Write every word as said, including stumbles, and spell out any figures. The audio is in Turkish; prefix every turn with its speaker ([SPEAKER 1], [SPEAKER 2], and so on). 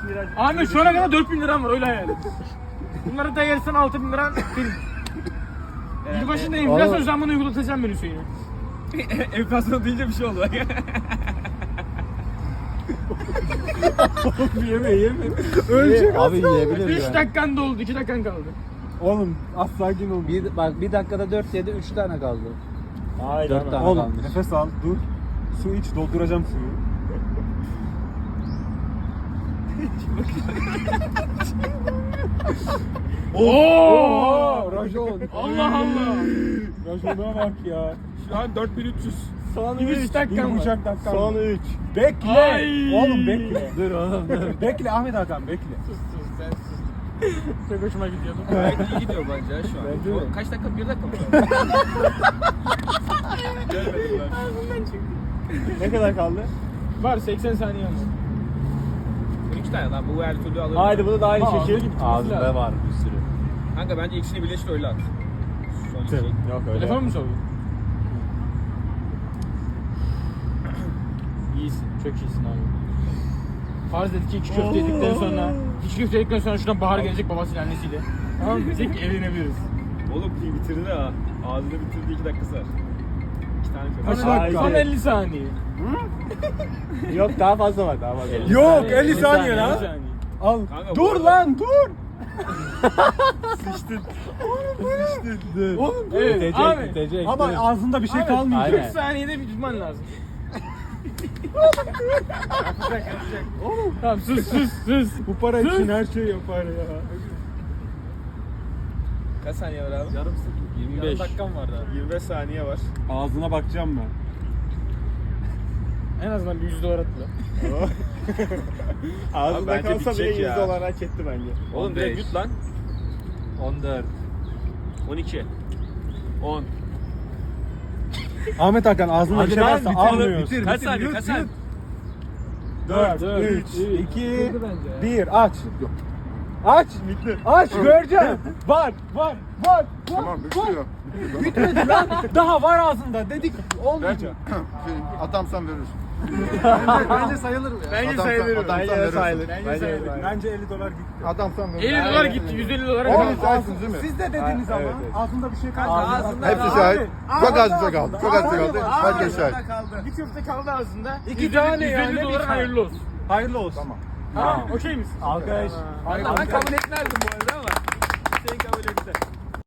[SPEAKER 1] lira.
[SPEAKER 2] Ahmet şu ana kadar dört bin liram var öyle hayal et. Bunları da yersen altı bin liran film. Yılbaşında enflasyon zammını uygulatacağım ben Hüseyin'e.
[SPEAKER 3] Enflasyon deyince bir şey oldu.
[SPEAKER 1] Yeme yeme.
[SPEAKER 4] Ölecek abi yiyebilir
[SPEAKER 2] üç
[SPEAKER 4] yani.
[SPEAKER 2] dakikan doldu, iki dakikan kaldı.
[SPEAKER 1] Oğlum az sakin ol.
[SPEAKER 4] Bir, bak bir dakikada dört yedi üç tane kaldı.
[SPEAKER 1] Hayır.
[SPEAKER 4] Dört tane
[SPEAKER 1] Oğlum
[SPEAKER 4] kalmış.
[SPEAKER 1] nefes al dur. Su iç dolduracağım suyu.
[SPEAKER 2] Oo!
[SPEAKER 1] Rajon.
[SPEAKER 2] Allah Allah.
[SPEAKER 1] Rajon'a bak ya.
[SPEAKER 3] Şu an dört bin üç yüz.
[SPEAKER 1] Son
[SPEAKER 2] üç
[SPEAKER 1] Bir
[SPEAKER 2] dakikan var.
[SPEAKER 1] buçuk dakika.
[SPEAKER 4] Son üç.
[SPEAKER 1] Bekle.
[SPEAKER 2] Ay.
[SPEAKER 1] Oğlum bekle.
[SPEAKER 4] Dur oğlum dur.
[SPEAKER 1] Bekle Ahmet Hakan bekle.
[SPEAKER 2] Sus sus sen sus. Çok hoşuma gidiyordu.
[SPEAKER 3] Gayet iyi gidiyor bence ya şu an.
[SPEAKER 1] Bence de.
[SPEAKER 3] O kaç dakika? Bir dakika mı? Gelmedim ben.
[SPEAKER 1] Ne kadar kaldı?
[SPEAKER 2] Var seksen saniye var.
[SPEAKER 3] on iki tane lan bu her türlü alırım.
[SPEAKER 1] Haydi bunu da aynı
[SPEAKER 2] Aa,
[SPEAKER 1] şekil.
[SPEAKER 4] Ağzında var bir sürü.
[SPEAKER 3] Kanka bence ikisini birleştir öyle at. Son iki.
[SPEAKER 1] Yok öyle.
[SPEAKER 2] Telefon mu çalıyor? İyisin, çok iyisin abi. Farz dedik ki iki köfte yedikten sonra, iki köfte yedikten sonra şuradan Bahar gelecek babasıyla annesiyle. Tamam mı? Diyecek ki evlenebiliriz.
[SPEAKER 3] Oğlum pil bitirdi ha. Ağzını bitirdi iki dakikası var. İki tane köpek.
[SPEAKER 2] Son,
[SPEAKER 1] dakika?
[SPEAKER 2] son elli saniye.
[SPEAKER 1] Yok daha fazla var daha fazla.
[SPEAKER 4] elli
[SPEAKER 1] Yok
[SPEAKER 4] saniye.
[SPEAKER 1] elli saniye lan.
[SPEAKER 2] elli saniye.
[SPEAKER 1] Al.
[SPEAKER 3] Kanka,
[SPEAKER 1] Dur
[SPEAKER 3] bu
[SPEAKER 1] lan dur.
[SPEAKER 3] Sıçtın.
[SPEAKER 1] Dur. Oğlum
[SPEAKER 2] Evet,
[SPEAKER 4] Bitecek
[SPEAKER 2] abi.
[SPEAKER 4] bitecek.
[SPEAKER 1] ama
[SPEAKER 4] dur.
[SPEAKER 1] ağzında bir şey
[SPEAKER 2] Abi,
[SPEAKER 1] kalmayacak.
[SPEAKER 4] aynen.
[SPEAKER 2] kırk saniyede bir tutman lazım. Yapacak, yapacak. Tamam sus sus sus.
[SPEAKER 1] Bu para
[SPEAKER 2] Sus.
[SPEAKER 1] için her şey yapar ya.
[SPEAKER 3] Kaç saniye var abi? Yarım saat.
[SPEAKER 4] yirmi beş.
[SPEAKER 3] Yarım dakikam var daha. yirmi beş saniye var.
[SPEAKER 1] Ağzına bakacağım ben.
[SPEAKER 2] En azından bir yüz dolar atla.
[SPEAKER 3] Abi bence bitecek ya.
[SPEAKER 1] hak etti bence.
[SPEAKER 3] Oğlum
[SPEAKER 4] on
[SPEAKER 3] direkt
[SPEAKER 4] beş.
[SPEAKER 3] yut lan.
[SPEAKER 4] on dört.
[SPEAKER 3] on iki. on.
[SPEAKER 1] Ahmet Hakan ağzında
[SPEAKER 4] Hadi
[SPEAKER 1] bir şey
[SPEAKER 4] lan,
[SPEAKER 1] varsa
[SPEAKER 4] bitir,
[SPEAKER 1] almıyorsun.
[SPEAKER 4] bitir.
[SPEAKER 3] Kaç saniye? Kaç saniye?
[SPEAKER 1] dört,
[SPEAKER 2] Dört,
[SPEAKER 1] üç,
[SPEAKER 2] üç.
[SPEAKER 1] iki,
[SPEAKER 2] Bitti bence ya.
[SPEAKER 1] bir aç. Aç. Aç göreceğim. Var, var, var, var.
[SPEAKER 5] Tamam bitiyor.
[SPEAKER 1] Bitmedi lan. Daha var ağzında dedik olmayacak.
[SPEAKER 5] Atamsan verirsin.
[SPEAKER 1] Bence sayılır mı?
[SPEAKER 2] Bence
[SPEAKER 5] Adamsan-
[SPEAKER 2] sayılır.
[SPEAKER 5] adamsan
[SPEAKER 2] Bence
[SPEAKER 5] verirsin.
[SPEAKER 2] sayılır. Bence sayılır.
[SPEAKER 1] Bence elli dolar gitti.
[SPEAKER 5] Atamsan verirsin.
[SPEAKER 2] elli dolar gitti, yüz elli dolara
[SPEAKER 5] Oğlum,
[SPEAKER 2] kadar.
[SPEAKER 5] sensin değil mi?
[SPEAKER 1] Siz de dediniz ama
[SPEAKER 5] evet, evet.
[SPEAKER 1] ağzında bir şey kaldı.
[SPEAKER 3] Ağzında-
[SPEAKER 5] Hepsi şahit. Çok az bir şey kaldı. Çok az bir şey kaldı. Herkes şahit.
[SPEAKER 2] Bir köfte kaldı ağzında.
[SPEAKER 1] İki
[SPEAKER 2] yüz elli
[SPEAKER 1] tane
[SPEAKER 2] yüz
[SPEAKER 1] yani,
[SPEAKER 2] elli
[SPEAKER 1] bir
[SPEAKER 2] dolara
[SPEAKER 1] tane.
[SPEAKER 2] hayırlı olsun.
[SPEAKER 1] Hayırlı olsun. Tamam.
[SPEAKER 2] Tamam, okey misin?
[SPEAKER 1] Alkış.
[SPEAKER 3] Ben kabul etmezdim bu arada ama. Sen kabul etti.